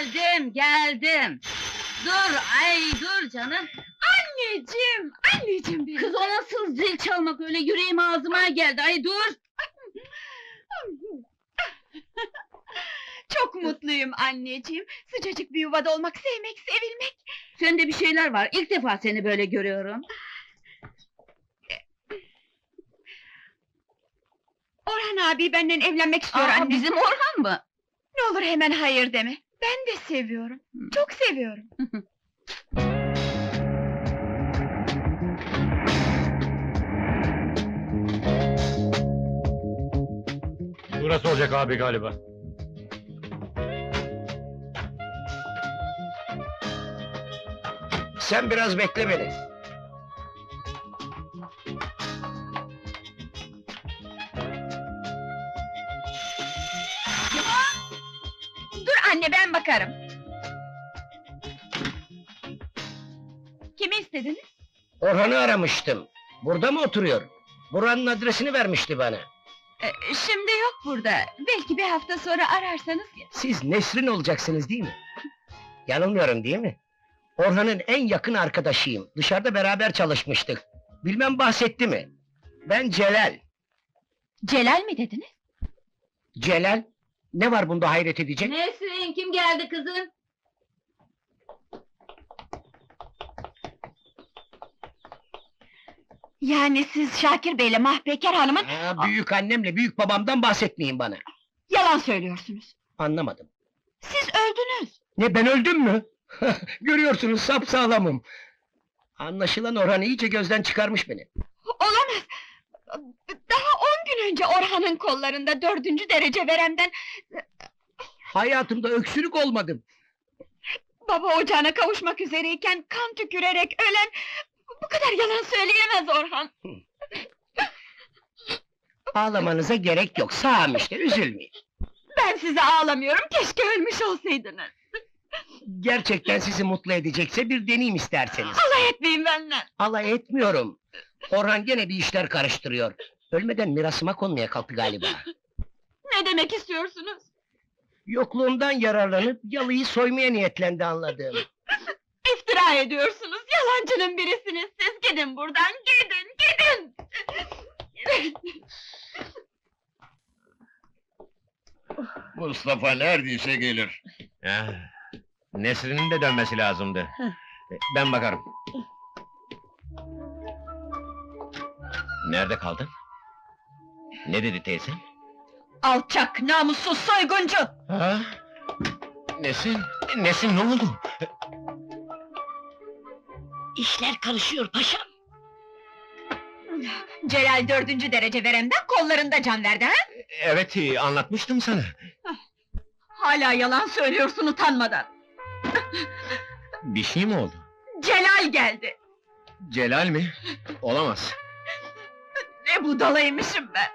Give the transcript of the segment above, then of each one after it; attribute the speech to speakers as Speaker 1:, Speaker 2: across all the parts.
Speaker 1: Geldim. Dur, dur canım.
Speaker 2: Anneciğim benim!
Speaker 1: Kız o nasıl zil çalmak öyle, yüreğim ağzıma geldi, ay dur!
Speaker 2: Çok mutluyum anneciğim! Sıcacık bir yuvada olmak, sevmek, sevilmek!
Speaker 1: Sende bir şeyler var, ilk defa seni böyle görüyorum.
Speaker 2: Orhan abi benden evlenmek istiyor anne!
Speaker 1: Bizim Orhan mı?
Speaker 2: Ne olur hemen hayır deme! Ben de seviyorum, çok seviyorum!
Speaker 3: Burası olacak abi galiba.
Speaker 4: Sen biraz bekle beni.
Speaker 2: Dur anne, ben bakarım! Kimi istediniz?
Speaker 4: Orhan'ı aramıştım. Burada mı oturuyor? Buranın adresini vermişti bana.
Speaker 2: Şimdi yok burada, belki bir hafta sonra ararsanız...
Speaker 4: Siz Nesrin olacaksınız değil mi? Yanılmıyorum değil mi? Orhan'ın en yakın arkadaşıyım. Dışarıda beraber çalışmıştık. Bilmem bahsetti mi? Ben Celal.
Speaker 2: Celal mi dediniz?
Speaker 4: Celal? Ne var bunda hayret edecek?
Speaker 1: Nesrin, kim geldi kızım?
Speaker 2: Yani siz Şakir Bey'le Mahpeker Hanım'ın...
Speaker 4: Büyük annemle büyük babamdan bahsetmeyin bana.
Speaker 2: Yalan söylüyorsunuz!
Speaker 4: Anlamadım.
Speaker 2: Siz öldünüz!
Speaker 4: Ne, ben öldüm mü? Görüyorsunuz, sapsağlamım. Anlaşılan Orhan iyice gözden çıkarmış beni.
Speaker 2: Olamaz! Daha 10 gün önce Orhan'ın kollarında 4. derece veremden...
Speaker 4: Hayatımda öksürük olmadım.
Speaker 2: Baba ocağına kavuşmak üzereyken kan tükürerek ölen... Bu kadar yalan söyleyemez Orhan!
Speaker 4: Ağlamanıza gerek yok, sağım işte, üzülmeyin.
Speaker 2: Ben size ağlamıyorum, keşke ölmüş olsaydınız!
Speaker 4: Gerçekten sizi mutlu edecekse bir deneyim isterseniz.
Speaker 2: Alay etmeyin benden!
Speaker 4: Alay etmiyorum. Orhan gene bir işler karıştırıyor. Ölmeden mirasıma konmaya kalktı galiba.
Speaker 2: Ne demek istiyorsunuz?
Speaker 4: Yokluğumdan yararlanıp yalıyı soymaya niyetlendi anladığım.
Speaker 2: İftira ediyorsunuz, yalancının birisiniz siz! Gidin buradan, gidin!
Speaker 5: Mustafa neredeyse gelir.
Speaker 3: Nesrin'in de dönmesi lazımdı. Ben bakarım. Nerede kaldın? Ne dedi teyze?
Speaker 2: Alçak, namussuz, soyguncu!
Speaker 3: Ha? Nesin? Nesin, ne oldu?
Speaker 4: İşler karışıyor paşam.
Speaker 2: Celal 4. derece veremden kollarında can verdi ha?
Speaker 3: Evet, anlatmıştım sana.
Speaker 2: Hala yalan söylüyorsun utanmadan!
Speaker 3: Bir şey mi oldu?
Speaker 2: Celal geldi!
Speaker 3: Celal mi? Olamaz.
Speaker 2: Ne budalaymışım ben!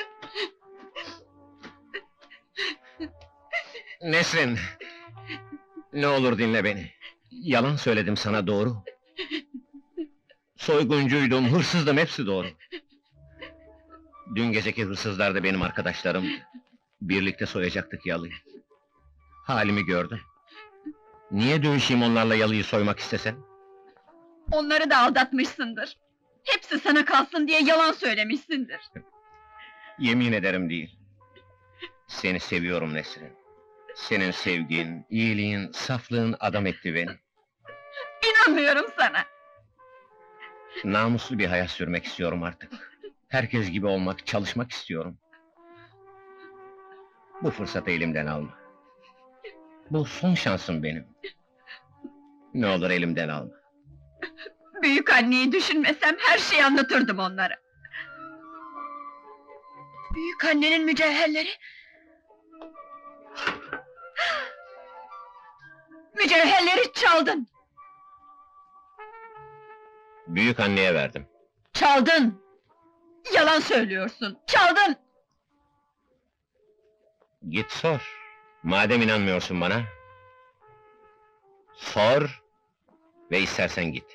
Speaker 3: Nesrin! Ne olur dinle beni. Yalan söyledim sana, doğru. Soyguncuydum, hırsızdım, hepsi doğru. Dün geceki hırsızlar da benim arkadaşlarımdı. Birlikte soyacaktık yalıyı. Halimi gördün. Niye dövüşeyim onlarla yalıyı soymak istesen?
Speaker 2: Onları da aldatmışsındır! Hepsi sana kalsın diye yalan söylemişsindir!
Speaker 3: Yemin ederim değil. Seni seviyorum Nesrin. Senin sevgin, iyiliğin, saflığın adam etti beni.
Speaker 2: İnanmıyorum sana!
Speaker 3: Namuslu bir hayat sürmek istiyorum artık. Herkes gibi olmak, çalışmak istiyorum. Bu fırsatı elimden alma. Bu son şansım benim. Ne olur elimden alma.
Speaker 2: Büyük anneyi düşünmesem her şeyi anlatırdım onlara! Büyük annenin mücevherleri... Mücevherleri çaldın!
Speaker 3: Büyük anneye verdim.
Speaker 2: Çaldın! Yalan söylüyorsun, çaldın!
Speaker 3: Git sor. Madem inanmıyorsun bana... Sor ve istersen git.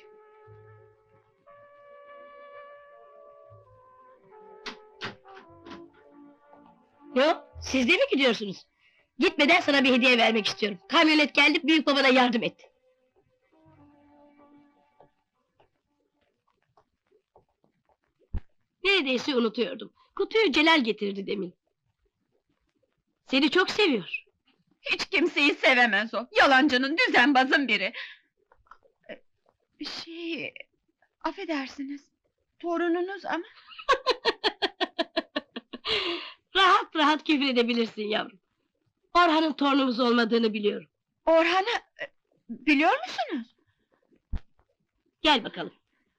Speaker 1: Yok, siz de mi gidiyorsunuz?
Speaker 2: Gitmeden sana bir hediye vermek istiyorum. Kamyonet geldi, büyük babana yardım et. Neredeyse unutuyordum. Kutuyu Celal getirdi demin. Seni çok seviyor.
Speaker 1: Hiç kimseyi sevemez o. Yalancının, düzenbazın biri. Affedersiniz. Torununuz ama.
Speaker 2: Rahat rahat küfür edebilirsin yavrum. Orhan'ın torunumuz olmadığını biliyorum.
Speaker 1: Orhan'ı biliyor musunuz?
Speaker 2: Gel bakalım.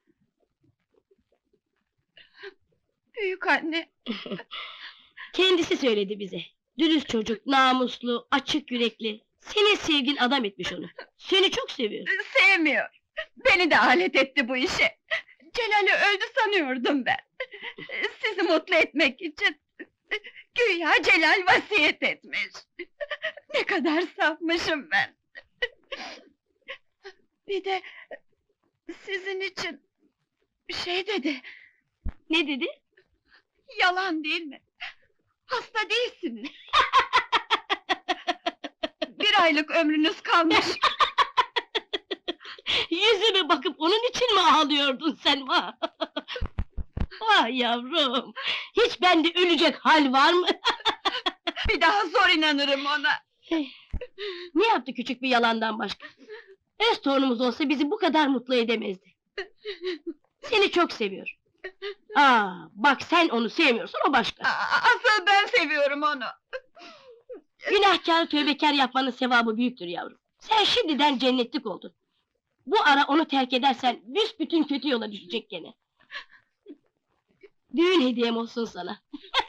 Speaker 1: Büyük anne.
Speaker 2: Kendisi söyledi bize. Dürüst çocuk, namuslu, açık yürekli. Senin sevgin adam etmiş onu. Seni çok seviyor.
Speaker 1: Sevmiyor. Beni de alet etti bu işe. Celal'i öldü sanıyordum ben. Sizi mutlu etmek için. Güya Celal vasiyet etmiş. Ne kadar safmışım ben. Bir de sizin için dedi.
Speaker 2: Ne dedi?
Speaker 1: Yalan değil mi? Hasta değilsiniz. Bir aylık ömrünüz kalmış.
Speaker 2: Yüzüme bakıp onun için mi ağlıyordun sen? Vah! Vah yavrum! Hiç bende ölecek hal var mı?
Speaker 1: Bir daha zor inanırım ona.
Speaker 2: Ne yaptı küçük bir yalandan başka? Öz torunumuz olsa bizi bu kadar mutlu edemezdi. Seni çok seviyor. Bak sen onu sevmiyorsun, o başka.
Speaker 1: Asıl ben seviyorum onu.
Speaker 2: Günahkar, tövbekar yapmanın sevabı büyüktür yavrum. Sen şimdiden cennetlik oldun. Bu ara onu terk edersen büsbütün kötü yola düşecek gene. Düğün hediyem olsun sana.